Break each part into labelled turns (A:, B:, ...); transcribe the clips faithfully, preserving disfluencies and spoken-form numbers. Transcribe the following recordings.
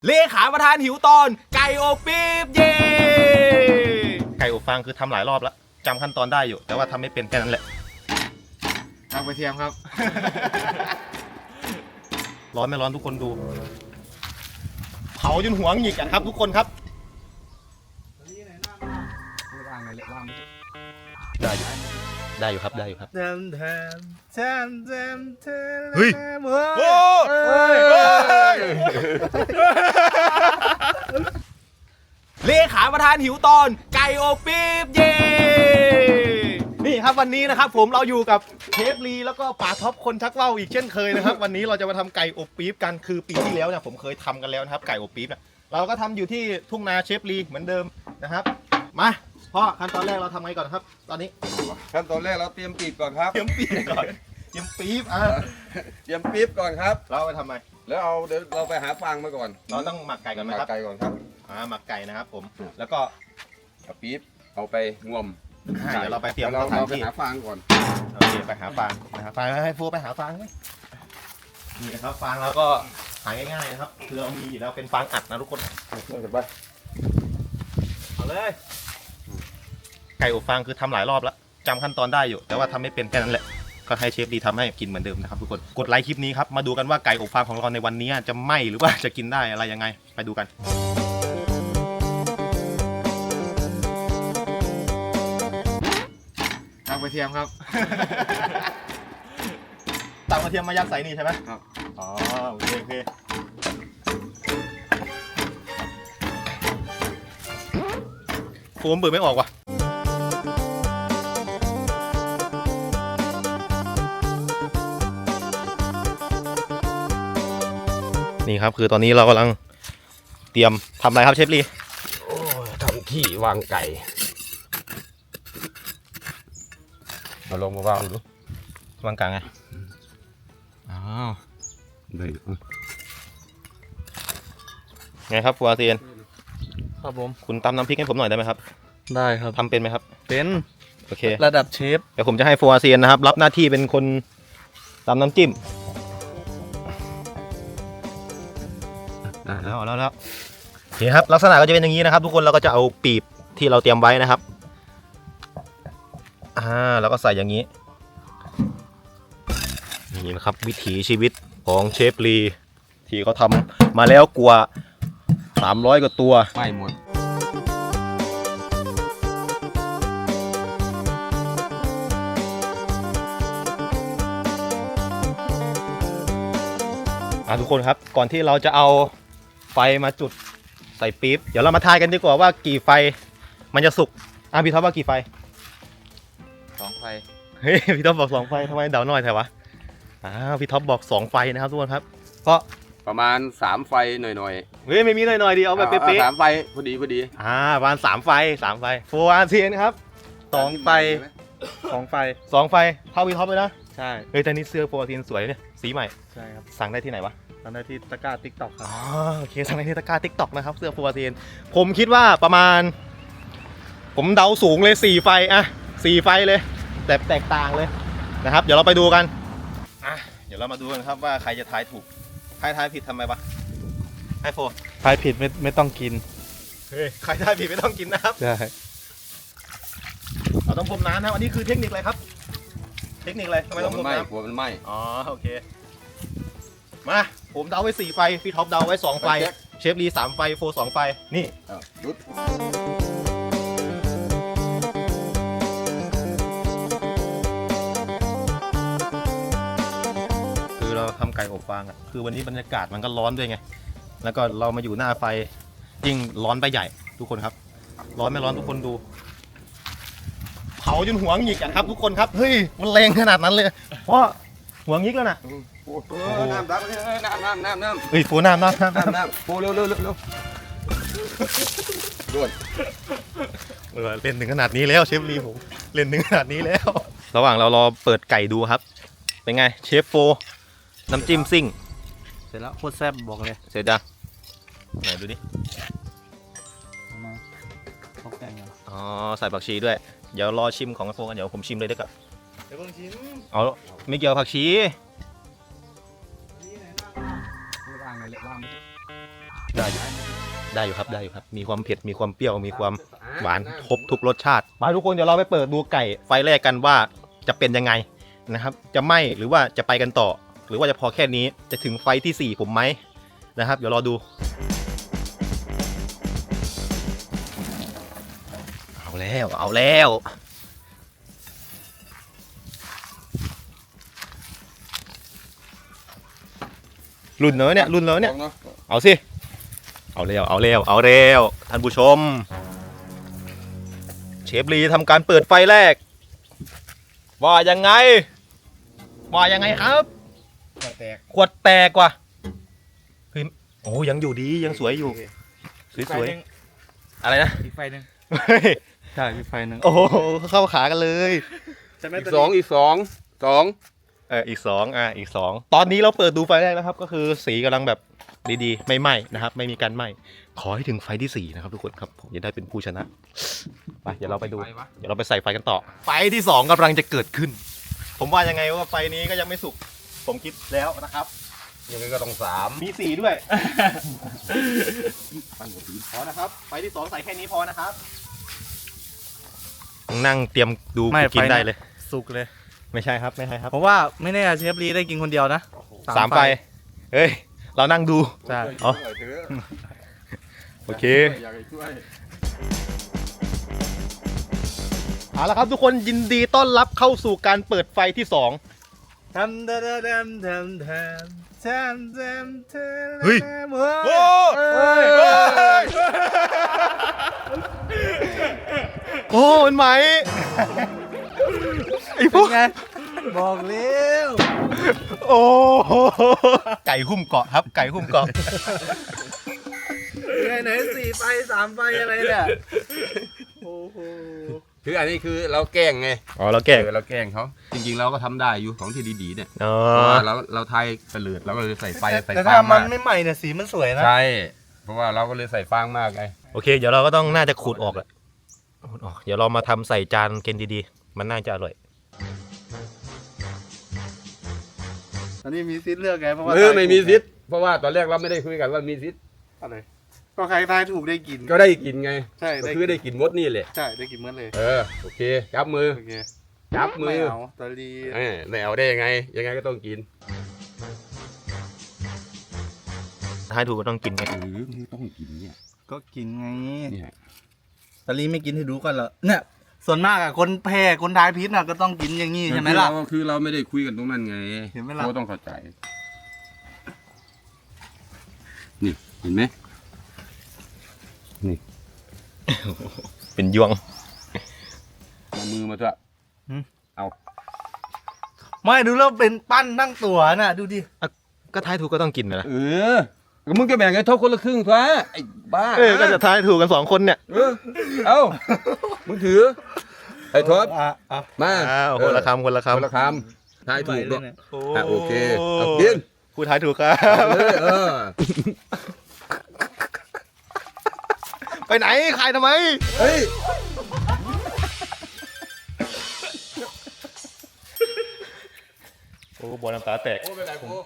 A: เลขาประธานหิวตอนไก่อบปี๊บเย่ไก่อบฟางคือทำหลายรอบแล้วจำขั้นตอนได้อยู่แต่ว่าทำไม่เป็นแค่นั้นแหละ
B: ทางกระเทียมครับ
A: ร้อนไม่ร้อนทุกคนดูเผาจนหัวหงิกอะครับทุกคนครับได้อยู่ได้อยู่ครับได้อยู่ครับเฮ้ยโอ้เลขาประธานหิวตอนไก่อบปี๊บเย่นี่ครับวันนี้นะครับผมเราอยู่กับเชฟลีแล้วก็ป๋าท็อปคนชักว่าวอีกเช่นเคยนะครับ วันนี้เราจะมาทำไก่อบปี๊บกันคือปีที่แล้วเนี่ยผมเคยทำกันแล้วนะครับไก่อบปี๊บเนี่ยเราก็ทำอยู่ที่ทุ่งนาเชฟลีเหมือนเดิมนะครับมาพ่อขั้นตอนแรกเราทำไงก่อนครับ ตอนนี้
C: ขั้นตอนแรกเราเตรียมปีบก่อนครับ
A: เตรียมปี๊บก่อนเตรียมปี๊บอ่ะ
C: เตรียมปี๊บก่อนครับ
A: เราเอาไปทำไม
C: แล้วเอาเดี๋ยวเราไปหาฟางมาก่อน
A: เราต้องหมักไก่ก่อนไหมครับ
C: ไก่ก่อนครับ
A: อ่าหมักไก่นะครับผมแล้วก็
C: เอาปี๊บเอาไปงวม
A: อ่าเดี๋ยวเราไปเตรียม
C: เรา
A: สถาน
C: เราไป
A: ที่
C: หาฟางก่อน
A: โอเคไปหาฟางไปหาฟางให้ฟูไปหาฟางไหมนี่นะครับฟางเราก็หาง่ายๆนะครับคือเรามีอยู่แล้วเป็นฟางอัดนะทุกคน
C: เสร็จไป
A: เอาเลยไก่อบฟางคือทำหลายรอบแล้วจำขั้นตอนได้อยู่แต่ว่าทำไม่เป็นแค่นั้นแหละก็ให้เชฟดีทำให้กินเหมือนเดิมนะครับทุกคนกดไลค์คลิปนี้ครับมาดูกันว่าไก่อบฟางของเราในวันนี้จะไหม้หรือว่าจะกินได้อะไรยังไงไปดูกัน
B: ทางกระเทียมครับ
A: ตักกระเทียมมายัดใส่นี่ใช่ไหม
C: ครับ
A: อ๋อโอเคโอเคโฟมเปิดไม่ออกว่ะนี่ครับคือตอนนี้เรากำลังเตรียมทำอะไรครับเชฟลี
C: โอ้ทำที่วางไก่มาลงมาวางดู
A: วางกลางไงอ้าว
C: ได้
A: ไงครับฟูอาเซียน
B: ครับผม
A: คุณตำน้ำพริกให้ผมหน่อยได้ไหมครับ
B: ได้ครับ
A: ทำเป็นไหมครับ
B: เป็น
A: โอเค
B: ระดับเชฟ
A: เดี๋ยวผมจะให้ฟูอาเซียนนะครับรับหน้าที่เป็นคนตำน้ำจิ้มแล้วแล้วแล้วโอเคครับลักษณะก็จะเป็นอย่างนี้นะครับ ทุกคนเราก็จะเอาปีบที่เราเตรียมไว้นะครับอ่าแล้วก็ใส่อย่างนี้นี่นะครับวิถีชีวิตของเชฟลีที่เขาทำมาแล้วกว่าสามร้อยกว่าตัว
C: ไม่หมด
A: อ่ะทุกคนครับก่อนที่เราจะเอาไฟมาจุดใส่ปี๊บเดี๋ยวเรามาทายกันดีกว่าว่ากี่ไฟมันจะสุกอ่ะพี่ท็อปว่ากี่ไฟ
C: สองไฟ
A: เฮ้ยพี่ท็อปบอกสองไฟทำไมเดาหน่อยแถวะอ้าวพี่ท็อปบอกสองไฟนะครับทุกคนครับก็
C: ประมาณสามไฟหน่อย
A: เฮ้ยไม่มีหน่อยๆดีเอาแบบเป๊ะ
C: สามไฟพอดีพอดี
A: ๆอ่าประมาณสามไฟสามไฟโฟอาเซียนครับสองไฟ
B: สองไฟ
A: สองไฟเท่าพี่ท็อปเลยนะ
B: ใช่
A: เฮ้ยแต่นี่เสื้อโฟอาเซียนสวยเนี่ยสีใหม่
B: ใช่ครับ
A: สั่งได้ที่ไหนวะ
B: ทำได้ที่ตะกร้าติ๊กต็อกครับ
A: อ๋อโอเคสั่งในเทศกาลทิกตอกนะครับเสื้อฟูอาเซียนผมคิดว่าประมาณ ผมเดาสูงเลยสี่ไฟอะสี่ไฟเลยแต่แตกต่างเลยนะครับเดี๋ยวเราไปดูกันอ่ะเดี๋ยวเรามาดูกันครับว่าใครจะทายถูกใครทายผิดทำไมวะไอโฟ
B: ทายผิดไม่ไม่ต้องกิน
A: เฮ้ยใครทายผิดไม่ต้องกินนะครับ
B: ใช่
A: เราต้องพรมน้ำนะครับอันนี้คือเทคนิคอะไรครับ เทคนิคอะไรทำไม
C: กลัว
A: ต้องพ
C: มั
A: ร
C: น
A: ม
C: ไหม้
A: น้
C: กลัวมันไหม้
A: ำอ๋อโอเคมาผมเดาไว้สี่ไฟพี่ท็อปเดาไว้สองไฟเชฟลีสามไฟโฟสองไฟนี่
C: อ่ะรุด
A: คือเราทำไก่อบฟางอ่ะคือวันนี้บรรยากาศมันก็ร้อนด้วยไงแล้วก็เรามาอยู่หน้าไฟยิ่งร้อนไปใหญ่ทุกคนครับ ร้อนไม่ร้อนทุกคนดูเผาจนหัวหงิกอะครับทุกคนครับเฮ้ยมันแรงขนาดนั้นเลยเพราะหัวหงิกแล้วนะ
C: โอ้โหน้ำน้ำน้ำน้ำน้ำน้ำ
A: เฮ้ยฟูน้ำน้ำน้ำ
C: น้ำน้ำโอ้เร็วเร็วเร็วเร็วด่วน
A: เออเล่นถึงขนาดนี้แล้วเชฟลีผมเล่นถึงขนาดนี้แล้ว ระหว่างเรารอเปิดไก่ดูครับ เป็นไงเชฟโฟน้ำจิ้มซิ่ง
B: เสร็จแล้วโคตรแซ่บบอกเลย
A: เสร็จยังไหนดูดิ
B: เอามาเขาแกงกัน
A: อ๋อใส่ผักชีด้วยเดี๋ยวรอชิมของโฟกันเดี๋ยวผมชิมเลยดีกว่า
B: เดี๋ยวเพิ่งชิม
A: เอาไม่เกี่ยวผักชี
B: ว่างเลยว่าง
A: ได้อยู่ได้อยู่ครับได้อยู่ครับมีความเผ็ดมีความเปรี้ยวมีความหวานครบทุกรสชาติมาทุกคนเดี๋ยวเราไปเปิดดูไก่ไฟแรกกันว่าจะเป็นยังไงนะครับจะไหม้หรือว่าจะไปกันต่อหรือว่าจะพอแค่นี้จะถึงไฟที่สี่ผมไหมนะครับเดี๋ยวรอดูเอาแล้วเอาแล้วรุ่นเนอะเนี่ยรุ่นเนอะเนี่ยเอาสิเอาเร็วเอาเร็วเอาเร็วท่านผู้ชมเชฟลีทำการเปิดไฟแรกว่ายังไงว่ายังไงครับขวดแตกขวดแตกว่ะเฮ้ยโอ้ยังอยู่ดียังสวยอยู่สวยๆอะไรนะ
B: อีกไฟหนึ่ง
A: เฮ้ย
B: ใช่อีกไฟหนึ่ง
A: โอ้โหเข้าขากันเลย
C: อีกสองอีกสองสอง
A: เอออีกสองอ่ะอีกสองตอนนี้เราเปิดดูไฟแรกแล้วครับก็คือสีกำลังแบบดีๆไม่ไหม้นะครับไม่มีการไหม้ขอให้ถึงไฟที่สี่นะครับทุกคนครับผมจะได้เป็นผู้ชนะไปเดี๋ยวเราไปดูเดี๋ยวเราไปใส่ไฟกันต่อไฟที่สองกำลังจะเกิดขึ้น ผมว่ายังไงว่าไฟนี้ก็ยังไม่สุกผมคิดแล้วนะครับ
C: ยังไงก็ต้องสาม
A: มีสีด้วย พอนะครับไฟที่สองใส่แค่นี้พอนะครับนั่งเตรียมดูกินได้เลย
B: สุกเลย
A: ไม่ใช่ครับไม่ใช่ครับ
B: เพราะว่าไม่แน่เชฟลีได้กินคนเดียวนะ
A: สามไฟเฮ้ยเรานั่งดู
B: ใช่
A: อ๋อ โอเค
C: อยากให้ช่วย
A: เอาละครับทุกคนยินดีต้อนรับเข้าสู่การเปิดไฟที่สอง
B: ทำทำทำทำทำทำทำทำ
A: เฮ้ย
B: โอ้ย
A: โอ้มันไหมไอ้พวก
B: ไงบอกเร็ว
A: โอ้ไก่หุ้มเกาะครับไก่หุ้มเกาะ
B: ไงไหนสี่ไฟสามไฟอะไรเนี่ยโอ้โห
C: คืออันนี้คือเราแกล้งไง
A: อ๋อเราแก่
C: เออเราแกล้งเขาจริงๆเราก็ทำได้อยู่ของที่ดีๆเนี่ย
A: อ๋อ
C: เพราะว่าเราเราไทยเปลือดเราก็เลยใส่ไฟใส่
B: แต่
C: ฟา
B: ถ้าง มัน
C: มาก
B: ไม่ใหม่เนี่ยสีมันสวยนะ
C: ใช่เพราะว่าเราก็เลยใส่ฟางมากไง
A: โอเคเดี๋ยวเราก็ต้องน่าจะขูดออกแหละขูดออกเดี๋ยวเรามาทำใส่จานกินดีๆมันน่าจะอร่อย
B: อันนี้มีซิทเลือกไงเพราะว่า
C: เออไม่มีซิทเพราะว่าตอนแรกเราไม่ได้คุยกันว่ามีซิท
B: อะไรก็ใครทายถูกได้กิน
C: ก็ได้กินไง
B: ใช่
C: ก็
B: ได้
C: คือได้กินมดนี่แหละ
B: ใช่ได้กินเมื่อเลย
C: เออโอเคจับมือ
B: โอเค
C: จับมื
B: ไม่
C: อ
B: เอาตอรี
C: เออไม่เอาได้ยังไง ยังไงก็ต้องกิน
A: ถ้าให้ถูกก็ต้องกินไง
C: เออมึงต้องกินเนี่ย
B: ก็กินไง
C: เนี่ย
B: ตอรีไม่กินให้ดูก่อนเหรอเนี่ยส่วนมากอะคนแพ้คนทายพิษน่ะก็ต้องกินอย่างนี้ใช่ไหมล่ะ
C: คือเราคือเราไม่ได้คุยกันตรงนั้นไง
B: เห็นไหมล่ะ
C: เขาต้องเข้าใจนี่เห็นไหมนี่
A: เป็นยวง
C: เอามือมาเถอะเอา
B: ไม่ดูแล้วเป็นปั้นนั่งตัวน่ะดูดิ
A: ก็ท้ายถูกก็ต้องกินนะ
C: เออก็มึงก็แบ่งให้เท่าคนละครึ่งซะไอ้บ้า
A: เออก็จะท้ายถูกกันสองคนเนี่ย
C: เออเอามึงถือไอ้ทศ
B: อ่ะอ่ะ
C: มา
A: อ้าวคนละคำคนละ
C: คนละ
A: คำ
C: คำทายถูก
B: เล
C: ด้วย ย
B: เนี่ย
C: อ่ะโอเคเอากิน
A: ผู้ท้ายถูกครับ
C: เอาเลยเออ
A: ไปไหนขายทำไม
C: เฮ้ย
A: โอ้บอลน้ำตาแตก
C: โอ้เป็นไรโอ้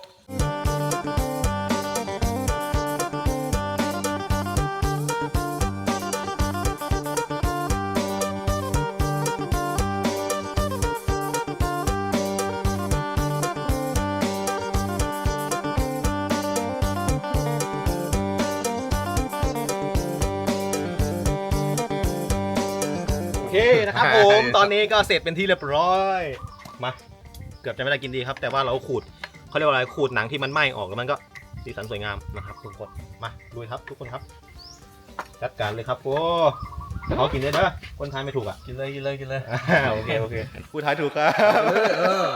A: โอเคนะครับผม ตอนนี้ก็เสร็จเป็นที่เรียบร้อยมาเกือบจะไม่ได้กินดีครับ แต่ว่าเราขูดเขาเรียกว่าอะไรขูดหนังที่มันไหม้ออกแล้วมันก็สีสันสวยงามนะครับทุกคนมาดูครับทุกคนครับจัดการเลยครับโอ้เขากินได้เด้อคนทายไม่ถูกอ่ะ
B: กินเลยกินเลยกินเลย
A: อ่าโอเคโอเคผู้ทายถูกครับ
C: เออเออ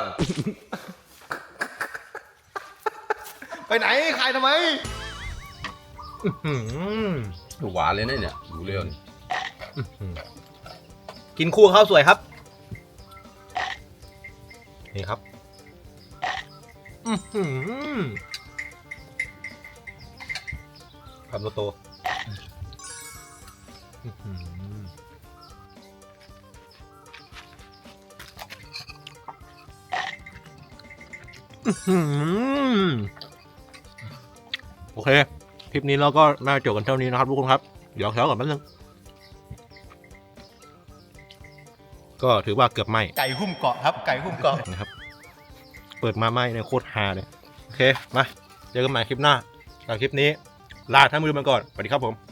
A: ไปไหนขายทำไมอื้อหือ
C: หวานเลยนะเนี่ยดูเร็วนี่
A: กินคู่ข้าวสวยครับนี่ครับอื้อหือคำโตๆอื้อหืออื้อหือโอเคคลิปนี้เราก็น่าจบกันเท่านี้นะครับทุกคนครับเดี๋ยวเช้าก่อนแป๊บนึงก็ถือว่าเกือบไหมไก่หุ้มเกาะครับไก่หุ้มเกาะนะครับเปิดมาไหมเนี่ยโคตรฮาเลยโอเคมาเจอกันใหม่คลิปหน้าสำหรับคลิปนี้ลาท่านผู้ชมไปก่อนสวัสดีครับผม